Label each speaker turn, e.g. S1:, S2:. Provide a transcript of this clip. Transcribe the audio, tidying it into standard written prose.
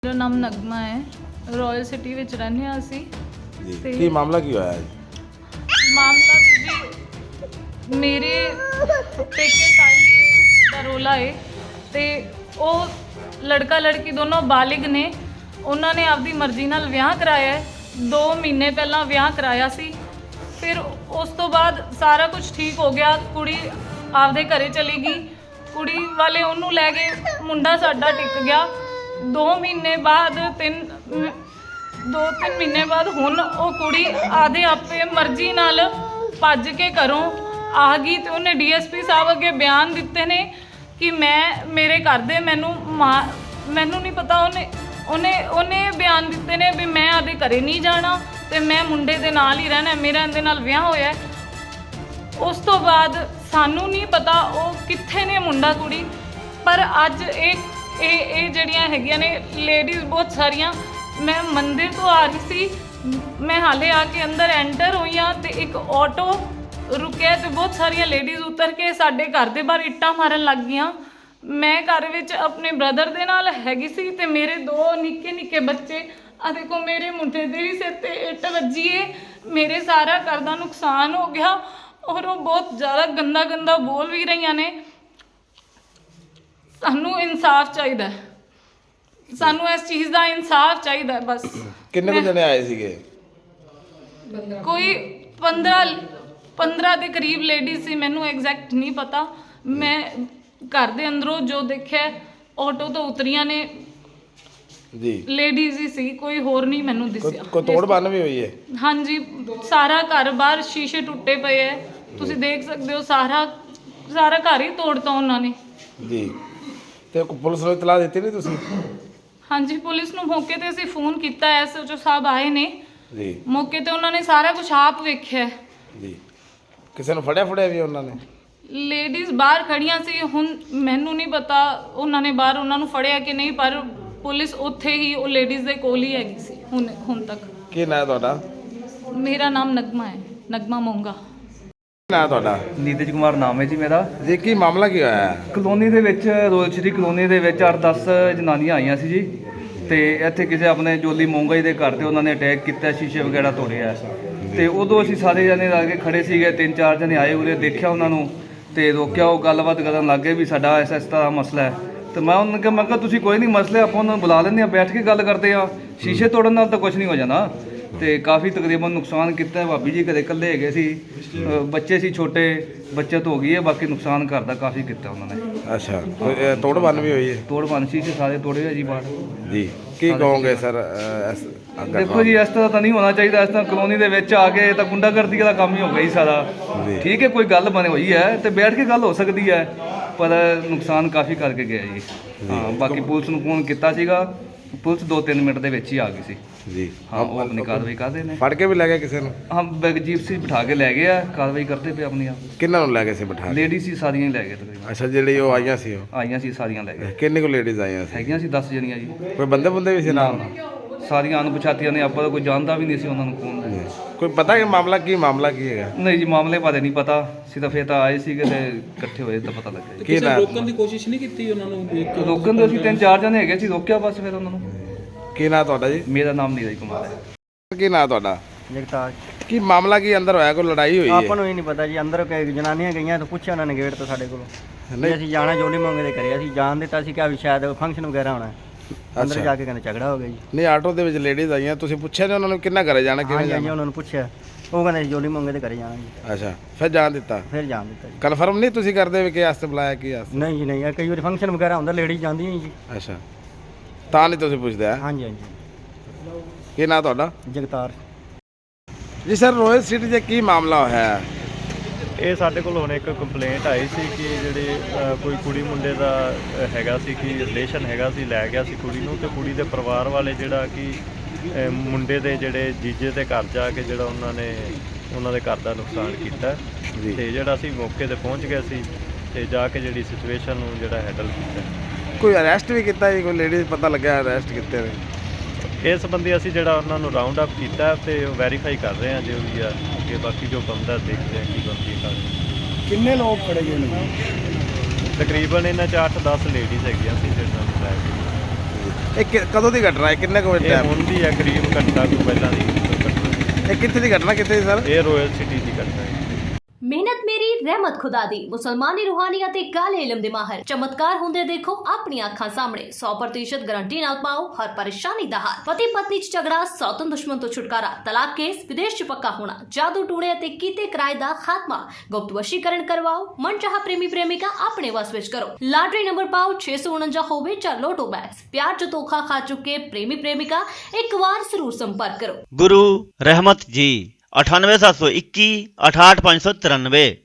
S1: मेरा नाम नगमा है, रॉयल सिटी ਵਿੱਚ ਰਹਿੰਦੇ ਹਾਂ ਅਸੀਂ।
S2: ਜੀ ਕੀ ਮਾਮਲਾ ਕੀ ਹੋਇਆ ਹੈ?
S1: ਮਾਮਲਾ ਜੀ ਮੇਰੇ ਪੇਕੇ ਸਾਈਡ ਦਾ ਰੋਲਾ ਹੈ ਤੇ ਉਹ ਲੜਕਾ ਲੜਕੀ ਦੋਨੋਂ ਬਾਲਿਗ ਨੇ। ਉਹਨਾਂ ਨੇ ਆਪਦੀ ਮਰਜ਼ੀ ਨਾਲ ਵਿਆਹ ਕਰਾਇਆ ਹੈ। 2 ਮਹੀਨੇ ਪਹਿਲਾਂ ਵਿਆਹ ਕਰਾਇਆ ਸੀ। ਫਿਰ ਉਸ ਤੋਂ ਬਾਅਦ ਸਾਰਾ ਕੁਝ ਠੀਕ ਹੋ ਗਿਆ। ਕੁੜੀ ਆਪਦੇ ਘਰੇ ਚਲੀ ਗਈ। ਕੁੜੀ ਵਾਲੇ ਉਹਨੂੰ ਲੈ ਗਏ। ਮੁੰਡਾ ਸਾਡਾ ਟਿਕ ਗਿਆ। 2 ਮਹੀਨੇ ਬਾਅਦ 2-3 ਮਹੀਨੇ ਬਾਅਦ ਹੁਣ ਉਹ ਕੁੜੀ ਆਦੇ ਆਪੇ ਮਰਜ਼ੀ ਨਾਲ ਭੱਜ ਕੇ ਘਰੋਂ ਆ ਗਈ ਤੇ ਉਹਨੇ ਡੀਐਸਪੀ ਸਾਹਿਬ ਅੱਗੇ ਬਿਆਨ ਦਿੱਤੇ ਨੇ ਕਿ ਮੇਰੇ ਘਰ ਦੇ ਮੈਨੂੰ ਨਹੀਂ ਪਤਾ। ਉਹਨੇ ਬਿਆਨ ਦਿੱਤੇ ਨੇ ਵੀ ਮੈਂ ਆਦੇ ਘਰੇ ਨਹੀਂ ਜਾਣਾ ਤੇ ਮੈਂ ਮੁੰਡੇ ਦੇ ਨਾਲ ਹੀ ਰਹਿਣਾ। ਮੇਰਾ ਇਹਦੇ ਨਾਲ ਵਿਆਹ ਹੋਇਆ। ਉਸ ਤੋਂ ਬਾਅਦ ਸਾਨੂੰ ਨਹੀਂ ਪਤਾ ਉਹ ਕਿੱਥੇ ਨੇ ਮੁੰਡਾ ਕੁੜੀ। ਪਰ ਅੱਜ ਇਹ ਜਿਹੜੀਆਂ ਹੈਗੀਆਂ ਨੇ ਲੇਡੀਜ਼ ਬਹੁਤ ਸਾਰੀਆਂ। ਮੈਂ ਮੰਦਿਰ ਤੋਂ ਆ ਰਹੀ ਸੀ, ਮੈਂ ਹਾਲੇ ਆ ਕੇ ਅੰਦਰ ਐਂਟਰ ਹੋਈ ਹਾਂ ਤੇ ਇੱਕ ਆਟੋ ਰੁਕਿਆ ਤੇ ਬਹੁਤ ਸਾਰੀਆਂ ਲੇਡੀਜ਼ ਉਤਰ ਕੇ ਸਾਡੇ ਘਰ ਦੇ ਬਾਹਰ ਇੱਟਾਂ ਮਾਰਨ ਲੱਗ ਗਈਆਂ। ਮੈਂ ਘਰ ਵਿੱਚ ਆਪਣੇ ਬ੍ਰਦਰ ਦੇ ਨਾਲ ਹੈਗੀ ਸੀ ਤੇ ਮੇਰੇ 2 ਨਿੱਕੇ ਬੱਚੇ। ਆ ਦੇਖੋ ਮੇਰੇ ਮੁੰਡੇ ਦੇ ਵੀ ਸਿਰ ਤੇ ਇੱਟ ਵੱਜੀ ਏ। ਮੇਰੇ ਸਾਰਾ ਘਰ ਦਾ ਨੁਕਸਾਨ ਹੋ ਗਿਆ ਔਰ ਉਹ ਬਹੁਤ ਜ਼ਿਆਦਾ ਗੰਦਾ ਬੋਲ ਵੀ ਰਹੀਆਂ ਨੇ। ਸਾਨੂੰ ਇਨਸਾਫ ਚਾਹੀਦਾ ਹੈ। ਸਾਨੂੰ ਇਸ ਚੀਜ਼ ਦਾ ਇਨਸਾਫ ਚਾਹੀਦਾ ਬਸ।
S2: ਕਿੰਨੇ ਕੁ ਜਣੇ ਆਏ ਸੀਗੇ?
S1: ਕੋਈ 15 ਦੇ ਕਰੀਬ ਲੇਡੀਜ਼ ਸੀ। ਮੈਨੂੰ ਐਗਜ਼ੈਕਟ ਨਹੀਂ ਪਤਾ। ਮੈਂ ਘਰ ਦੇ ਅੰਦਰੋਂ ਜੋ ਦੇਖਿਆ ਆਟੋ ਤੋਂ ਉਤਰੀਆਂ ਨੇ
S2: ਜੀ
S1: ਲੇਡੀਜ਼ ਹੀ ਸੀ, ਕੋਈ ਹੋਰ ਨਹੀਂ ਮੈਨੂੰ ਦਿਸਿਆ।
S2: ਕੋਈ ਤੋੜ ਭੰਨ ਵੀ ਹੋਈ ਹੈ? ਹਾਂਜੀ,
S1: ਸਾਰਾ ਘਰ ਬਾਹਰ ਸ਼ੀਸ਼ੇ ਟੁੱਟੇ ਪਏ ਹੈ। ਤੁਸੀਂ ਦੇਖ ਸਕਦੇ ਹੋ ਸਾਰਾ ਘਰ ਹੀ ਤੋੜਤਾ ਉਹਨਾਂ ਨੇ
S2: ਜੀ। ਤੇ ਪੁਲਿਸ ਨੂੰ ਇਤਲਾਹ ਦਿੱਤੀ ਨਹੀਂ ਤੁਸੀਂ?
S1: ਹਾਂਜੀ, ਪੁਲਿਸ ਨੂੰ ਮੌਕੇ ਤੇ ਅਸੀਂ ਫੋਨ ਕੀਤਾ। ਐਸਐਚਓ ਸਾਹਿਬ ਆਏ ਨੇ
S2: ਜੀ।
S1: ਮੌਕੇ ਤੇ ਉਹਨਾਂ ਨੇ ਸਾਰਾ ਕੁਝ ਆਪ ਵੇਖਿਆ
S2: ਜੀ। ਕਿਸੇ ਨੂੰ ਫੜਿਆ ਵੀ ਉਹਨਾਂ ਨੇ?
S1: ਲੇਡੀਜ਼ ਬਾਹਰ ਖੜੀਆਂ ਸੀ। ਹੁਣ ਮੈਨੂੰ ਨਹੀਂ ਪਤਾ ਉਹਨਾਂ ਨੇ ਬਾਹਰ ਉਹਨਾਂ ਨੂੰ ਫੜਿਆ ਕਿ ਨਹੀਂ, ਪਰ ਪੁਲਿਸ ਉੱਥੇ ਹੀ ਉਹ ਲੇਡੀਜ਼ ਦੇ ਕੋਲ ਹੀ ਹੈਗੀ ਸੀ ਹੁਣ ਤੱਕ।
S2: ਕੀ ਨਾਂ ਤੁਹਾਡਾ?
S1: ਮੇਰਾ ਨਾਮ ਨਗਮਾ ਹੈ, ਨਗਮਾ ਮੋਂਗਾ।
S2: ਨਾਂ ਤੁਹਾਡਾ?
S3: ਨੀਤਜ ਕੁਮਾਰ ਨਾਮ ਹੈ ਜੀ ਮੇਰਾ।
S2: ਜੀ ਕੀ ਮਾਮਲਾ ਕੀ ਹੋਇਆ ਹੈ?
S3: ਕਲੋਨੀ ਦੇ ਵਿੱਚ ਰੋਇਲ ਸ਼੍ਰੀ ਕਲੋਨੀ ਦੇ ਵਿੱਚ 8-10 ਜਨਾਨੀਆਂ ਆਈਆਂ ਸੀ ਜੀ। ਤੇ ਇੱਥੇ ਕਿਸੇ ਆਪਣੇ ਜੋਲੀ ਮੋਂਗਾ ਜੀ ਦੇ ਘਰ ਤੇ ਉਹਨਾਂ ਨੇ ਅਟੈਕ ਕੀਤਾ, ਸ਼ੀਸ਼ੇ ਵਗੈਰਾ ਤੋੜਿਆ। ਤੇ ਉਦੋਂ ਅਸੀਂ ਸਾਰੇ ਜਣੇ ਲਾ ਕੇ ਖੜੇ ਸੀਗੇ। 3-4 ਜਣੇ ਆਏ, ਉਰੇ ਦੇਖਿਆ ਉਹਨਾਂ ਨੂੰ ਤੇ ਰੋਕਿਆ। ਉਹ ਗੱਲਬਾਤ ਕਰਨ ਲੱਗ ਗਏ ਵੀ ਸਾਡਾ ਇਸ ਤਰ੍ਹਾਂ ਮਸਲਾ ਹੈ। ਤੇ ਮੈਂ ਉਹਨਾਂ ਨੂੰ ਕਿਹਾ ਤੁਸੀਂ ਕੋਈ ਨਹੀਂ, ਮਸਲੇ ਆਪਾਂ ਉਹਨਾਂ ਨੂੰ ਬੁਲਾ ਲੈਂਦੇ ਹਾਂ, ਬੈਠ ਕੇ ਗੱਲ ਕਰਦੇ ਆ। ਸ਼ੀਸ਼ੇ ਤੋੜਨ ਨਾਲ ਤਾਂ ਕੁਝ ਨਹੀਂ ਹੋ ਜਾਣਾ। ਤੇ ਕਾਫੀ ਤਕਰੀਬਨ ਨੁਕਸਾਨ ਕੀਤਾ। ਭਾਬੀ ਜੀ ਘਰੇ ਇਕੱਲੇ ਹੈਗੇ ਸੀ, ਬੱਚੇ ਸੀ ਛੋਟੇ, ਬੱਚਤ ਹੋ ਗਈ ਹੈ। ਬਾਕੀ ਨੁਕਸਾਨ ਘਰ ਦਾ ਕਾਫੀ ਕੀਤਾ ਉਹਨਾਂ ਨੇ।
S2: ਅੱਛਾ, ਤੋੜ ਭੰਨ ਵੀ ਹੋਈ ਹੈ? ਤੋੜ
S3: ਭੰਨ ਸ਼ੀਸ਼ੇ ਸਾਰੇ ਤੋੜੇ ਆ ਜੀ ਬਾਹਰ।
S2: ਜੀ ਕੀ ਕਹੋਗੇ ਸਰ?
S3: ਦੇਖੋ ਜੀ, ਇਸ ਤਰ੍ਹਾਂ ਤਾਂ ਨਹੀਂ ਹੋਣਾ ਚਾਹੀਦਾ। ਇਸ ਤਰ੍ਹਾਂ ਕਲੋਨੀ ਦੇ ਵਿੱਚ ਆ ਕੇ ਤਾਂ ਗੁੰਡਾਗਰਦੀ ਦਾ ਕੰਮ ਹੀ ਹੋ ਗਿਆ ਜੀ ਸਾਰਾ। ਠੀਕ ਹੈ, ਕੋਈ ਗੱਲ ਬਣੀ ਹੋਈ ਹੈ ਤੇ ਬੈਠ ਕੇ ਗੱਲ ਹੋ ਸਕਦੀ ਹੈ, ਪਰ ਨੁਕਸਾਨ ਕਾਫੀ ਕਰਕੇ ਗਿਆ ਜੀ। ਹਾਂ, ਬਾਕੀ ਪੁਲਿਸ ਨੂੰ ਫੋਨ ਕੀਤਾ ਸੀਗਾ, ਪੁਲਿਸ 2-3 ਮਿੰਟ ਦੇ ਵਿੱਚ ਹੀ ਆ ਗਈ ਸੀ ਜੀ। ਹਾਂ, ਉਹ ਆਪਣੀ ਕਾਰਵਾਈ ਕਰਦੇ ਨੇ।
S2: ਫੜ ਕੇ ਵੀ ਲੈ ਗਏ ਕਿਸੇ ਨੂੰ?
S3: ਹਾਂ, ਜੀਪਸੀ ਬਿਠਾ ਕੇ ਲੈ ਗਏ ਆ, ਕਾਰਵਾਈ ਕਰਦੇ ਪਏ ਆਪਣੀ ਆਪ।
S2: ਕਿੰਨਾਂ ਨੂੰ ਲੈ ਗਏ ਸੀ ਬਿਠਾ?
S3: ਲੇਡੀਜ਼ ਸੀ ਸਾਰੀਆਂ ਹੀ ਲੈ ਗਏ ਤਕਰੀਬਨ।
S2: ਅੱਛਾ, ਜਿਹੜੀ ਉਹ ਆਈਆਂ ਸੀ? ਉਹ
S3: ਆਈਆਂ ਸੀ ਸਾਰੀਆਂ ਲੈ ਗਏ।
S2: ਕਿੰਨੇ ਕੁ ਲੇਡੀਜ਼ ਆਈਆਂ ਸੀ?
S3: ਹੈਗੀਆਂ ਸੀ 10 ਜਣੀਆਂ ਜੀ।
S2: ਕੋਈ ਬੰਦੇ ਵੀ ਸੀ ਨਾਲ?
S3: ਸਾਰੀਆਂ ਅਣਪਛਾਤੀਆਂ ਨੇ। ਆਪਾਂ ਤਾਂ ਕੋਈ ਜਾਣਦਾ ਵੀ ਨਹੀਂ ਸੀ ਉਹਨਾਂ ਨੂੰ ਕੌਣ ਹੈ।
S2: ਕੋਈ ਪਤਾ ਕਿ ਮਾਮਲਾ ਕੀ ਹੈਗਾ?
S3: ਨਹੀਂ ਜੀ, ਮਾਮਲੇ ਬਾਰੇ ਨਹੀਂ ਪਤਾ। ਸਿਰਫ ਇਹ ਤਾਂ ਆਏ ਸੀਗੇ ਤੇ ਇਕੱਠੇ ਹੋਏ ਤਾਂ ਪਤਾ ਲੱਗਿਆ।
S2: ਕੀ
S4: ਰੋਕਣ ਦੀ ਕੋਸ਼ਿਸ਼ ਨਹੀਂ ਕੀਤੀ ਉਹਨਾਂ ਨੂੰ?
S3: ਰੋਕਣ ਦੇ ਅਸੀਂ 3-4 ਜਣੇ ਹੈਗੇ ਸੀ, ਰੋਕਿਆ ਬਸ ਫਿਰ ਉਹਨਾਂ ਨੂੰ।
S2: ਕੀ ਨਾਂ ਤੁਹਾਡਾ ਜੀ?
S3: ਮੇਰਾ ਨਾਮ ਨੀਰਜ ਕੁਮਾਰ ਹੈ।
S2: ਕੀ ਨਾਂ ਤੁਹਾਡਾ?
S5: ਜਗਤਾਰ।
S2: ਕੀ ਮਾਮਲਾ ਕੀ ਅੰਦਰ ਹੋਇਆ? ਕੋਈ ਲੜਾਈ ਹੋਈ ਹੈ?
S5: ਆਪਾਂ ਨੂੰ ਇਹ ਨਹੀਂ ਪਤਾ ਜੀ। ਅੰਦਰ ਜਨਾਨੀਆਂ ਗਈਆਂ ਤਾਂ ਪੁੱਛਿਆ ਉਹਨਾਂ ਨੇ ਗੇਟ ਤੋਂ ਸਾਡੇ ਕੋਲੋਂ ਨਹੀਂ ਅਸੀਂ ਜਾਣਾ ਜੋਲੀ ਮੰਗੇ ਦੇ ਘਰੇ। ਅਸੀਂ ਜਾਣ ਦਿੱਤਾ ਸੀ ਕਿ ਵੀ ਸ਼ਾਇਦ ਫੰਕਸ਼ਨ ਵਗੈਰਾ ਹੋਣਾ। ਅੰਦਰ ਜਾ ਕੇ ਕਹਿੰਦੇ ਝਗੜਾ ਹੋ ਗਿਆ ਜੀ।
S2: ਨਹੀਂ, ਆਟੋ ਦੇ ਵਿੱਚ ਲੇਡੀਜ਼ ਆਈਆਂ, ਤੁਸੀਂ ਪੁੱਛਿਆ ਨਹੀਂ ਉਹਨਾਂ ਨੂੰ ਕਿੰਨਾ ਘਰੇ ਜਾਣਾ, ਕਿਵੇਂ
S5: ਜਾਣਾ?
S2: ਜਾਣਾ?
S5: ਉਹਨਾਂ ਨੂੰ ਪੁੱਛਿਆ, ਉਹ ਕਹਿੰਦੇ ਜੋਲੀ ਮੰਗੇ ਦੇ ਘਰੇ ਜਾਣਾ ਜੀ।
S2: ਅੱਛਾ, ਫਿਰ ਜਾਣ ਦਿੱਤਾ?
S5: ਫਿਰ ਜਾਣ ਦਿੱਤਾ ਜੀ।
S2: ਕਨਫਰਮ ਨਹੀਂ ਤੁਸੀਂ ਕਰਦੇ ਵੀ ਕਿ ਵਾਸਤੇ ਬੁਲਾਇਆ, ਕੀ ਵਾਸਤੇ?
S5: ਨਹੀਂ ਜੀ ਨਹੀਂ, ਕਈ ਵਾਰੀ ਫੰਕਸ਼ਨ ਵਗੈਰਾ ਹੁੰਦਾ ਲੇਡੀਜ਼ ਜਾਂਦੀਆਂ ਜੀ।
S2: ਅੱਛਾ, ਤਾਂ ਨਹੀਂ ਤੁਸੀਂ ਪੁੱਛਦੇ?
S5: ਹਾਂਜੀ ਹਾਂਜੀ।
S2: ਕੀ ਨਾਂ ਤੁਹਾਡਾ?
S5: ਜਗਤਾਰ
S2: ਜੀ। ਸਰ, ਰੋਇਲ ਸਿਟੀ 'ਚ ਕੀ ਮਾਮਲਾ ਹੋਇਆ?
S6: ਇਹ ਸਾਡੇ ਕੋਲ ਹੁਣ ਇੱਕ ਕੰਪਲੇਂਟ ਆਈ ਸੀ ਕਿ ਜਿਹੜੇ ਕੋਈ ਕੁੜੀ ਮੁੰਡੇ ਦਾ ਹੈਗਾ ਸੀ ਕਿ ਰਿਲੇਸ਼ਨ ਹੈਗਾ ਸੀ, ਲੈ ਗਿਆ ਸੀ ਕੁੜੀ ਨੂੰ। ਤੇ ਕੁੜੀ ਦੇ ਪਰਿਵਾਰ ਵਾਲੇ ਜਿਹੜਾ ਕਿ ਮੁੰਡੇ ਦੇ ਜਿਹੜੇ ਜੀਜੇ ਦੇ ਘਰ ਜਾ ਕੇ ਜਿਹੜਾ ਉਹਨਾਂ ਦੇ ਘਰ ਦਾ ਨੁਕਸਾਨ ਕੀਤਾ। ਤੇ ਜਿਹੜਾ ਅਸੀਂ ਮੌਕੇ ਤੇ ਪਹੁੰਚ ਗਏ ਸੀ ਤੇ ਜਾ ਕੇ ਜਿਹੜੀ ਸਿਚੁਏਸ਼ਨ ਨੂੰ ਜਿਹੜਾ ਹੈਂਡਲ ਕੀਤਾ।
S2: ਕੋਈ ਅਰੈਸਟ ਵੀ ਕੀਤਾ ਜੀ? ਕੋਈ ਲੇਡੀਜ਼ ਪਤਾ ਲੱਗਿਆ ਅਰੈਸਟ ਕੀਤੇ ਨੇ?
S6: ਇਸ ਸੰਬੰਧੀ ਅਸੀਂ ਜਿਹੜਾ ਉਹਨਾਂ ਨੂੰ ਰਾਉਂਡ ਅਪ ਕੀਤਾ ਤੇ ਵੈਰੀਫਾਈ ਕਰ ਰਹੇ ਹਾਂ ਜੋ ਵੀ ਆ ਅੱਗੇ। ਬਾਕੀ ਜੋ ਬੰਦਾ ਦੇਖਦੇ ਹਾਂ ਕੀ ਬਣਦੀ ਹੈ।
S2: ਕਿੰਨੇ ਲੋਕ ਫੜੇ ਗਏ ਨੇ?
S6: ਤਕਰੀਬਨ ਇਹਨਾਂ 'ਚ 8-10 ਲੇਡੀਜ਼ ਹੈਗੀਆਂ ਸੀ ਜਿਹਨਾਂ ਨੂੰ ਲੈ ਕੇ
S2: ਇਹ ਕਦੋਂ ਦੀ ਘਟਨਾ ਹੈ, ਕਿੰਨੇ ਕੁ ਵਜੇ
S6: ਇਹ
S2: ਟਾਈਮ?
S6: ਹੁਣ ਦੀ ਹੈ, ਕਰੀਬ ਘੰਟਾ ਕੁ ਪਹਿਲਾਂ ਦੀ ਘਟਨਾ।
S2: ਇਹ ਕਿੱਥੇ ਦੀ ਘਟਨਾ, ਕਿੱਥੇ ਦੀ ਸਰ?
S6: ਇਹ ਰਾਇਲ ਸਿਟੀ ਦੀ ਘਟਨਾ ਹੈ।
S7: ਮਿਹਨਤ ਮੇਰੀ ਰਹਿਮਤ ਖੁਦਾ ਦੀ ਮੁਸਲਮਾਨੀ ਰੂਹਾਨੀ ਅਤੇ ਕਾਲੇ ਇਲਮ ਦੇ ਮਾਹਰ ਚਮਤਕਾਰ ਹੁੰਦੇ ਦੇਖੋ ਆਪਣੀਆਂ ਅੱਖਾਂ ਸਾਹਮਣੇ 100% ਗਾਰੰਟੀ ਨਾਲ ਪਾਓ ਹਰ ਪਰੇਸ਼ਾਨੀ ਦਾ ਹੱਲ। ਪਤੀ ਪਤਨੀ ਚ ਝਗੜਾ, ਸੌਤਨ ਦੁਸ਼ਮਣ ਤੋਂ ਛੁਟਕਾਰਾ, ਤਲਾਕ ਕੇਸ, ਵਿਦੇਸ਼ ਚ ਪੱਕਾ ਹੋਣਾ, ਜਾਦੂ ਟੂਣੇ ਅਤੇ ਕੀਤੇ ਕਿਰਾਏ ਦਾ ਖਾਤਮਾ, ਗੁਪਤ ਵਸ਼ੀਕਰਨ ਕਰਵਾਓ, ਮਨਚਾਹਾ ਪ੍ਰੇਮੀ ਪ੍ਰੇਮਿਕਾ ਆਪਣੇ ਵਸ ਵਿੱਚ ਕਰੋ। ਲਾਟਰੀ ਨੰਬਰ ਪਾਓ 649 ਹੋਵੇ ਜਾਂ ਲੋਟੋ ਬੈਗਸ। ਪਿਆਰ ਚ ਧੋਖਾ ਖਾ ਚੁੱਕੇ ਪ੍ਰੇਮੀ ਪ੍ਰੇਮਿਕਾ ਇੱਕ ਵਾਰ ਜ਼ਰੂਰ ਸੰਪਰਕ ਕਰੋ।
S8: गुरु रहमत जी 98721 68593।